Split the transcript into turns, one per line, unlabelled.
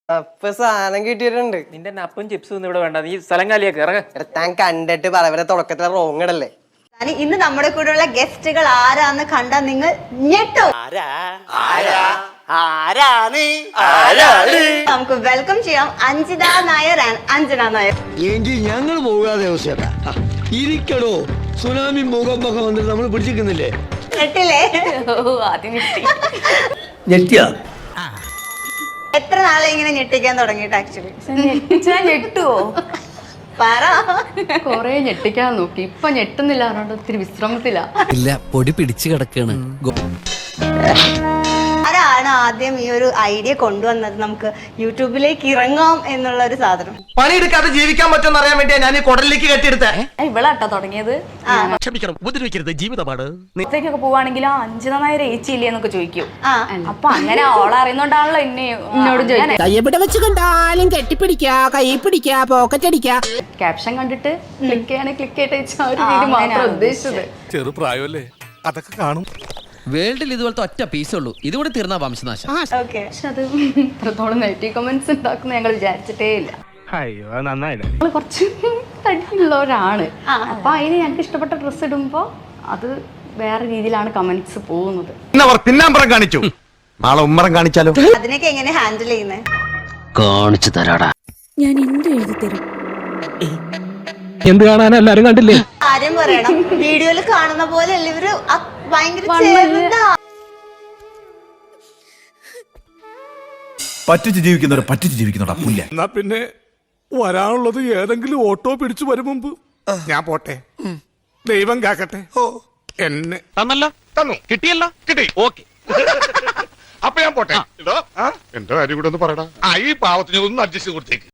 അപ്പൊ സാധനം കിട്ടിയിട്ടുണ്ട്.
നിന്റെ നപ്പും ചിപ്സും ഒന്നും ഇവിടെ വേണ്ട, നീ സ്ഥലം കാലിയാക്ക് ഇറങ്ങ.
താൻ കണ്ടിട്ട് പറവരെ തുടക്കത്തിലെ റോങ് ഇടല്ലേ.
ഇന്ന് നമ്മുടെ കൂടെയുള്ള ഗസ്റ്റുകൾ ആരാന്ന് കണ്ടാ നിങ്ങൾ ഞെട്ടോ. നമുക്ക് വെൽക്കം ചെയ്യാം അഞ്ജിത നായർ ആൻഡ് അഞ്ജന നായർ.
എങ്കിൽ ഞങ്ങൾ പോകാതെ ഇരിക്കടോ. സുനാമി ഭൂകമ്പൊക്കെ വന്നിട്ട് നമ്മൾ പിടിച്ചിരിക്കുന്നില്ലേ?
ഞെട്ടില്ലേ?
ഞെട്ടിയാ?
എത്ര നാളെ ഇങ്ങനെ ഞെട്ടിക്കാൻ തുടങ്ങിയിട്ട് ആക്ച്വലി
ഞെട്ടുവോ?
പറ.
കൊറേ ഞെട്ടിക്കാൻ നോക്കി, ഇപ്പൊ ഞെട്ടുന്നില്ല, പറഞ്ഞോണ്ട് ഒത്തിരി വിശ്രമത്തില.
ഇല്ല, പൊടി പിടിച്ചു കിടക്കാണ്.
ആരാണ് ആദ്യം ഈ ഒരു ഐഡിയ കൊണ്ടുവന്നത് നമുക്ക് യൂട്യൂബിലേക്ക് ഇറങ്ങാം എന്നുള്ള ഒരു സാധനം?
പണിയെടുക്കാതെ ജീവിക്കാൻ പറ്റുമെന്ന് അറിയാൻ വേണ്ടിയാ ഞാൻ ഈ കുടലിലേക്ക് കെട്ടിയെടുത്തേ.
ഇവളാട്ടോ തുടങ്ങിയത്.
ക്ഷമിക്കണം, ഉപദ്രവിക്കരുത്, ജീവിതമാണ്.
ൊക്കെ പോവാണെങ്കിൽ അഞ്ജിത നായർ ഏച്ചിയില്ലേ എന്നൊക്കെ ചോദിക്കും. അപ്പൊ അങ്ങനെ ഓളറിയുന്നോണ്ടാണല്ലോ എന്നോട്
കയ്യെവിടെ വെച്ച് കണ്ടാലും കെട്ടിപ്പിടിക്കാ, കൈ പിടിക്കാ, പോക്കറ്റ് അടിക്കാ.
ക്യാപ്ഷൻ കണ്ടിട്ട് ക്ലിക്ക് ചെയ്യാൻ ക്ലിക്ക് ചെയ്ത് ആ ഒരു രീതി മാത്രം ഉദ്ദേശിച്ചത്.
ചെറുപ്രായമല്ലേ, അതൊക്കെ കാണും.
വേൾഡിൽ ഇതുപോലത്തെ ഒറ്റ പീസേ ഉള്ളൂ, ഇതുകൂടി തീർന്ന വംശനാശം.
പക്ഷെ
അത് ഇത്രത്തോളം നെഗറ്റീവ് കമന്റ്സ് ഉണ്ടാക്കുന്ന ഞങ്ങൾ വിചാരിച്ചിട്ടേ ഇല്ല.
അയ്യോ, നന്നായില്ലേ.
ഞങ്ങൾ കുറച്ച് തടിയുള്ളവരാണ്. അപ്പൊ അതിന് ഞങ്ങൾക്ക് ഇഷ്ടപ്പെട്ട ഡ്രസ്സ് ഇടുമ്പോ അത് വേറെ രീതിയിലാണ് കമന്റ്സ് പോകുന്നത്.
തിന്നാമ്പറം കാണിച്ചു, നാളെ ഉമ്മറം കാണിച്ചാലോ?
അതിനൊക്കെ എങ്ങനെ ഹാൻഡിൽ ചെയ്യുന്നത്?
കാണിച്ചു തരാടാ.
ഞാൻ എന്ത് എഴുതി തരും?
എന്ത് കാണാൻ എല്ലാരും കണ്ടില്ലേ?
കാര്യം പറയണം, വീഡിയോയിൽ കാണുന്ന പോലെ അല്ല ഇവര് ഭയങ്കര ചെറുതാ.
പറ്റിച്ച് ജീവിക്കുന്നവരെ പറ്റിച്ച് ജീവിക്കുന്നവരാ പുല്ല. എന്നാ പിന്നെ വരാനുള്ളത് ഏതെങ്കിലും ഓട്ടോ പിടിച്ചു വരും മുമ്പ് ഞാൻ പോട്ടെ. ദൈവം കാക്കട്ടെ. എന്നെ
തന്നല്ലോ, തന്നു, കിട്ടിയല്ലോ, കിട്ടി, ഓക്കെ.
അപ്പൊ ഞാൻ പോട്ടെ. എന്റെ കാര്യം കൂടെ ഒന്ന് പറയടാ. ഈ പാവത്തിന് ഒന്ന് അഡ്ജസ്റ്റ് കൊടുത്തേക്ക്.